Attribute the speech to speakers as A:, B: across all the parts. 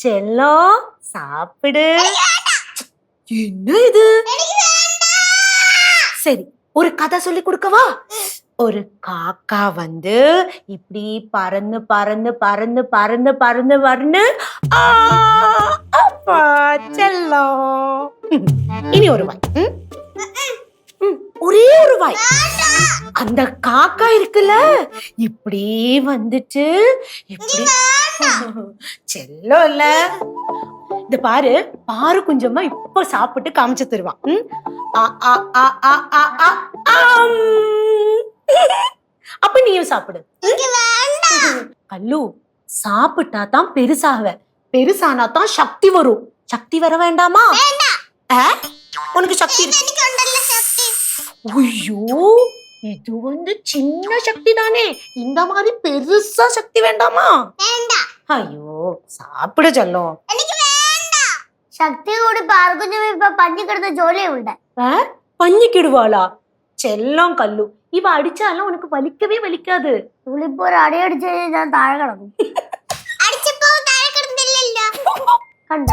A: செல்லம் சாப்பிடு. என்ன இது? சரி, ஒரு கதை சொல்லி கொடுக்கவா? ஒரு காக்கா வந்து இப்படி பறந்து பறந்து பறந்து பறந்து பறந்து பறந்து அப்பா செல்லம். இனி ஒரு வாய். ஒரே ஒரு வாய். அந்த காக்கா இருக்குல்ல, இப்படி வந்துட்டு இப்படி செல்லம் இல்ல. இந்த பாரு, பாரு குஞ்சம்மா இப்ப சாப்பிட்டு காமிச்சு தருவான். அப்ப நீயும் சாப்பிடு. கல்லு, சாப்பிட்டா தான் பெருசாக, பெருசானா தான் சக்தி வரும். சக்தி வர வேண்டாமா? உனக்கு சக்தி இருக்கு. ஐயோ, இது வந்து சின்ன சக்தி தானே, இந்த மாதிரி பெருசா சக்தி வேண்டாமா? ஐயோ, சாப்பிட சொல்லும்.
B: ശക്തി കൂടി പാർക്കുഞ്ഞും ഇപ്പൊ പഞ്ഞിക്കിടുന്ന ജോലിയുണ്ട്.
A: പഞ്ഞിക്കിടുവാളാ? ചെല്ലം കല്ലു, ഇവ അടിച്ചാലും ഉനക്ക് വലിക്കവേ വലിക്കാது.
B: ഇവളിപ്പോ ഒരു അടിയടിച്ച് ഞാൻ താഴെ കിടക്കും. കണ്ട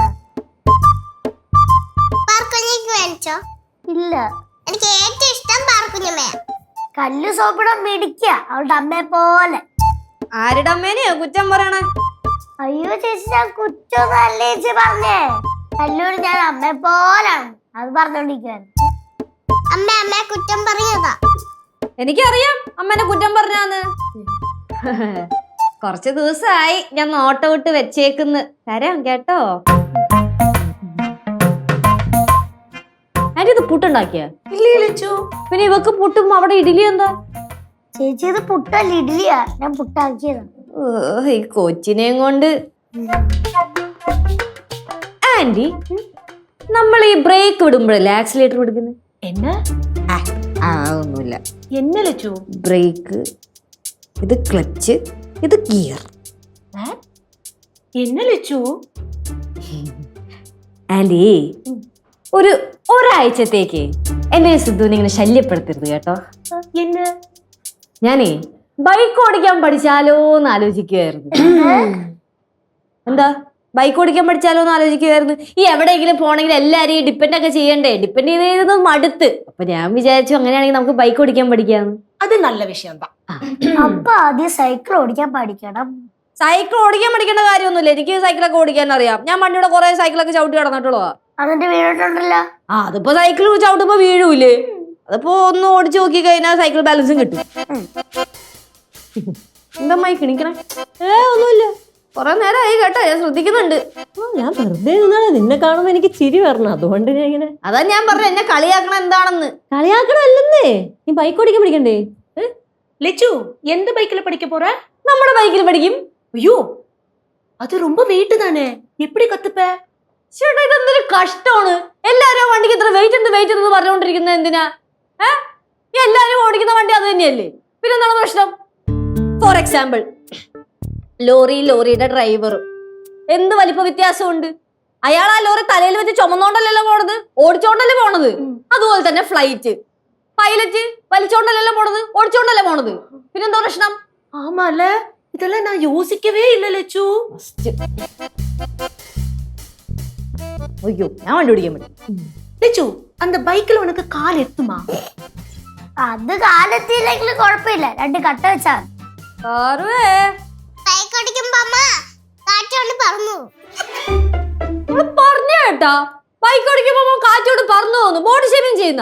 B: ഇല്ല,
C: എനിക്ക് ഏറ്റവും ഇഷ്ടം പാർക്കുഞ്ഞമ്മയാ.
B: കല്ലു സോപ്പിടാൻ മിടിക്ക അവളുടെ അമ്മയെ പോലെ.
D: ആരുടെ അമ്മേനെയോ കുറ്റം പറയണേ?
B: അയ്യോ ചേച്ചി, ഞാൻ കുറ്റൊന്നല്ലേ ചേച്ചി പറഞ്ഞേ. കല്ലൂര് ഞാൻ അമ്മയെ പോലാണ്, അത് പറഞ്ഞോണ്ടിരിക്കാൻ.
C: അമ്മയെ കുറ്റം പറഞ്ഞതാ.
D: എനിക്കറിയാം അമ്മേനെ കുറ്റം പറഞ്ഞാന്ന്. കുറച്ച് ദിവസമായി ഞാൻ നോട്ട വിട്ട് വെച്ചേക്കുന്ന്. തരാം കേട്ടോ. ആന്റി, ഇത് പുട്ടുണ്ടാക്കിയ? പിന്നെ ഇവക്ക് പുട്ടും അവിടെ ഇഡ്ഡലി എന്താ?
B: ചേച്ചി, ഇത് പുട്ടല്ല ഇഡ്ഡലിയാ, ഞാൻ പുട്ടാക്കിയതാ.
D: ഈ കൊച്ചിനെയും കൊണ്ട്. ആന്റി, നമ്മൾ ഈ ബ്രേക്ക് വിടുമ്പോഴല്ലേ ആക്സിലേറ്റർ വിടുക്കുന്നത്?
A: എന്നാ?
D: ഒന്നുമില്ല.
A: എന്നെ ലച്ചു?
D: ബ്രേക്ക്, ഇത് ക്ലച്ച്, ഇത് ഗിയർ.
A: എന്നെ ലച്ചു?
D: ആന്റി, ഒരാഴ്ചത്തേക്ക് എന്നെ സിദ്ധുവിനെ ഇങ്ങനെ ശല്യപ്പെടുത്തരുത് കേട്ടോ.
A: എന്നെ?
D: ഞാനേ ബൈക്ക് ഓടിക്കാൻ പഠിച്ചാലോ എന്ന് ആലോചിക്കുവായിരുന്നു. എന്താ, ബൈക്ക് ഓടിക്കാൻ പഠിച്ചാലോ എന്ന് ആലോചിക്കുവായിരുന്നു. ഈ എവിടെയെങ്കിലും പോണെങ്കിൽ എല്ലാരെയും ഡിപ്പെൻഡ് ഒക്കെ ചെയ്യണ്ടേ? ഡിപ്പെൻഡ് ചെയ്ത് മടുത്ത്. അപ്പൊ ഞാൻ വിചാരിച്ചു അങ്ങനെയാണെങ്കിൽ നമുക്ക് ബൈക്ക് ഓടിക്കാൻ പഠിക്കാം.
A: അത് നല്ല വിഷയം.
B: അപ്പൊ ആദ്യം സൈക്കിൾ ഓടിക്കാൻ പഠിക്കണം.
D: സൈക്കിൾ ഓടിക്കാൻ പഠിക്കേണ്ട കാര്യമൊന്നുമില്ല. എനിക്ക് സൈക്കിളൊക്കെ ഓടിക്കാൻ അറിയാം. ഞാൻ പണ്ടിവിടെ കുറെ സൈക്കിളൊക്കെ ചവിട്ടി കിടന്നിട്ടുള്ളതാ.
B: അതിന്റെ വീണിട്ടുണ്ടല്ലോ.
D: അതിപ്പോ സൈക്കിൾ ചവിട്ടുമ്പോ വീഴൂലേ? അതിപ്പോ ഒന്ന് ഓടിച്ചു നോക്കി കഴിഞ്ഞാൽ സൈക്കിൾ ബാലൻസും കിട്ടും. എന്താ മൈക്കിണിക്കണേ? ഒന്നുമില്ല, കൊറേ നേരമായി കേട്ടോ, ഞാൻ ശ്രദ്ധിക്കുന്നുണ്ട്.
E: ഞാൻ വെറുതെ നിന്നാണ്, നിന്നെ കാണുമ്പോ എനിക്ക് ചിരി വരണം, അതുകൊണ്ട് ഞാൻ ഇങ്ങനെ.
D: അതാ ഞാൻ പറഞ്ഞു എന്നെ കളിയാക്കണം എന്താണെന്ന്.
E: കളിയാക്കണമല്ലെന്നേ, നീ ബൈക്ക് ഓടിക്കാൻ പഠിക്കണ്ടേ?
A: ലച്ചു, എന്ത് ബൈക്കിൽ പഠിക്ക പോற?
D: നമ്മുടെ ബൈക്കിൽ പഠിക്കും.
A: അയ്യോ, അത് ரொம்ப വെയിറ്റ് താനേ, എപ്പടി കത്തുപ്പ?
D: ചേട്ടാ, ഇതെന്തൊരു കഷ്ടമാണ്. എല്ലാരും വണ്ടിക്ക് ഇത്ര വെയിറ്റ് എന്ന് പറഞ്ഞുകൊണ്ടിരിക്കുന്നത് എന്തിനാ? എല്ലാരും ഓടിക്കുന്ന വണ്ടി അത് തന്നെയല്ലേ, പിന്നെ എന്താണ് പ്രശ്നം? ഫോർ എക്സാമ്പിൾ, ലോറിയുടെ ഡ്രൈവറും എന്ത് വലിപ്പ വ്യത്യാസമുണ്ട്. അയാൾ ആ ലോറി തലയിൽ വെച്ച് ചുമന്നോണ്ടല്ലോ പോണത്, ഓടിച്ചോണ്ടല്ലേ പോണത്. അതുപോലെ തന്നെ ഫ്ലൈറ്റ്, പൈലറ്റ് വലിച്ചോണ്ടല്ലോ പോണത്, ഓടിച്ചോണ്ടല്ലേ പോണത്. പിന്നെന്താ പ്രശ്നം?
A: ആമാല, ഇതെല്ലാം ഞാൻ യോസിക്കവേ ഇല്ല ലച്ചു.
D: അയ്യോ, ഞാൻ വണ്ടി ഓടിക്കാൻ പറ്റും.
A: ലച്ചു, அந்த ബൈക്കിൽ ഉനക്ക് കാൽ എത്തുമാ?
B: അത് കാലെത്തിയില്ലെങ്കിലും കുഴപ്പമില്ല, 2 കട്ട വെച്ചാ.
C: ബൈക്ക് ഓടിക്കുമ്പോ അമ്മ കാറ്റോണ്ട് പറന്നു.
D: പറഞ്ഞു കേട്ടാ, ബൈക്ക് ഓടിക്കുമ്പോ കാറ്റോട് പറന്നു പോകുന്നു. ബോഡി ഷേമിങ് ചെയ്യുന്ന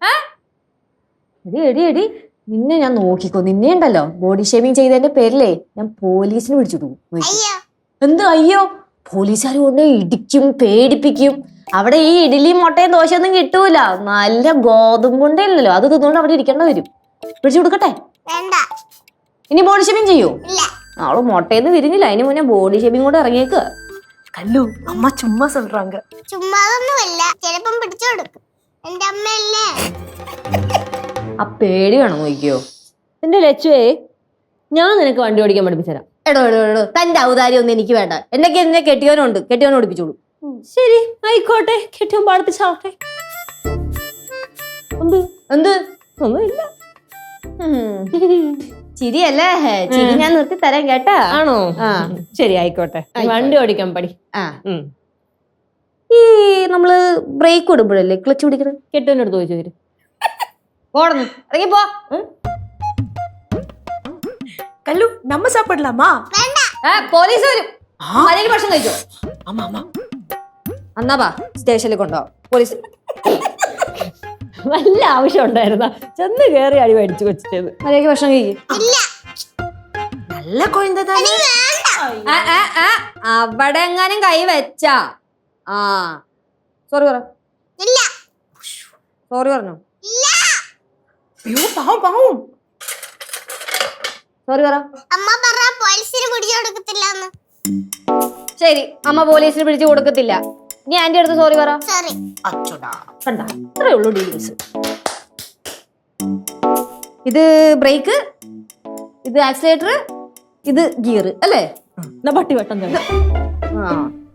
D: എടി നിന്നെ ഞാൻ നോക്കിക്കോ. നിന്നെ ഉണ്ടല്ലോ ബോഡി ഷേമിങ് ചെയ്തതിന്റെ പേരിലേ ഞാൻ പോലീസിന് വിളിച്ചിട്ടു. എന്ത് അയ്യോ? പോലീസുകാർ കൊണ്ട് ഇടിക്കും, പേടിപ്പിക്കും. അവിടെ ഈ ഇഡലിയും മുട്ടയും ദോശയൊന്നും കിട്ടൂല, നല്ല ഗോതമ്പുണ്ടേ ഇല്ലല്ലോ, അത് തിന്നുകൊണ്ട് അവിടെ ഇരിക്കേണ്ട വരും. പിടിച്ചു കൊടുക്കട്ടെ? ഇനി ബോഡി ഷേമിങ് ചെയ്യൂ? അവള് മുട്ടയെന്ന് വിരിഞ്ഞില്ല, അതിന് മുന്നേ ബോഡി ഷേമിങ് കൂടെ ഇറങ്ങിയേക്ക്.
A: കല്ലു, അമ്മ ചുമ്മാ சொல்றாங்க.
C: ചുമ്മാതൊന്നുമല്ല, ചിലപ്പം പിടിച്ചു കൊടുക്കും. എന്റെ അമ്മയല്ലേ.
D: ആ പേടി വേണം നോക്കിയോ.
E: എന്റെ ലച്ചുവേ, ഞാൻ നിനക്ക് വണ്ടി ഓടിക്കാൻ പഠിപ്പിച്ചരാം.
D: എടോ തന്റെ ഔദാര്യം ഒന്നും എനിക്ക് വേണ്ട. എന്നൊക്കെ എന്നെ കെട്ടിയവനുണ്ട്, കെട്ടിയവനെ ഓടിപ്പിച്ചോളൂ.
E: ശരി, ആയിക്കോട്ടെ, കെട്ടിയും പാടിപ്പിച്ചാവട്ടെ.
D: എന്ത്?
E: ഒന്നുമില്ല.
D: ചിരിയല്ലേ ചിരി ഞാൻ നിർത്തി തരാം കേട്ടാ.
E: ആണോ?
D: ആ.
E: ശരി ആയിക്കോട്ടെ. നീ വണ്ടി ഓടിക്കാൻ പഠി.
D: ആ
E: ഉം.
D: ഈ നമ്മള് ബ്രേക്ക് വിടുമ്പോഴല്ലേ ക്ലച്ച് പിടിക്കുന്നത്?
E: കെട്ടുവിന്റെ അടുത്ത് ചോദിച്ചു വരും.
D: പോടന്ന് ഇറങ്ങിപ്പോ.
A: கல்லு நம்ம சாப்பிடலாமா?
D: പോലീസ് വരും. മര്യാദയ്ക്ക് ഭക്ഷണം കഴിച്ചോ.
A: ஆமா ஆமா.
D: എന്നാ വാ സ്റ്റേഷനിൽ കൊണ്ടുപോവാം. പോലീസ്
E: വല്ല ആവശ്യം ഉണ്ടായിരുന്ന ചെന്ന് കേറി അടി മേടിച്ചു വെച്ചത്.
D: മര്യാദയ്ക്ക് ഭക്ഷണം കഴിക്കും.
A: நல்ல குழந்தை தானே.
D: അവിടെ എങ്ങാനും കൈ വെച്ചാ ആ സോറി പറ.
C: ഇല്ല.
D: സോറി പറഞ്ഞോ?
C: ഇല്ല.
A: ஐயோ பாவம் பாவம்.
D: സോറി പറ.
C: അമ്മ പറ പോലീസിന് പിടിച്ചു കൊടുക്കത്തില്ലെന്ന്.
D: ശരി അമ്മ പോലീസിന് പിടിച്ചു കൊടുക്കത്തില്ല. നീ ആന്റി അടുത്ത് സോറി പറ.
C: സോറി.
A: அச்சோடா.
E: കണ്ട ഇത്രേ ഉള്ളൂ ഡീൽസ്.
D: ഇത് ബ്രേക്ക്, ഇത് ആക്സിലേറ്റർ, ഇത് ഗിയർ അല്ലേ?
E: എന്നാ പട്ടി വെട്ടം തന്നെ.
D: ആ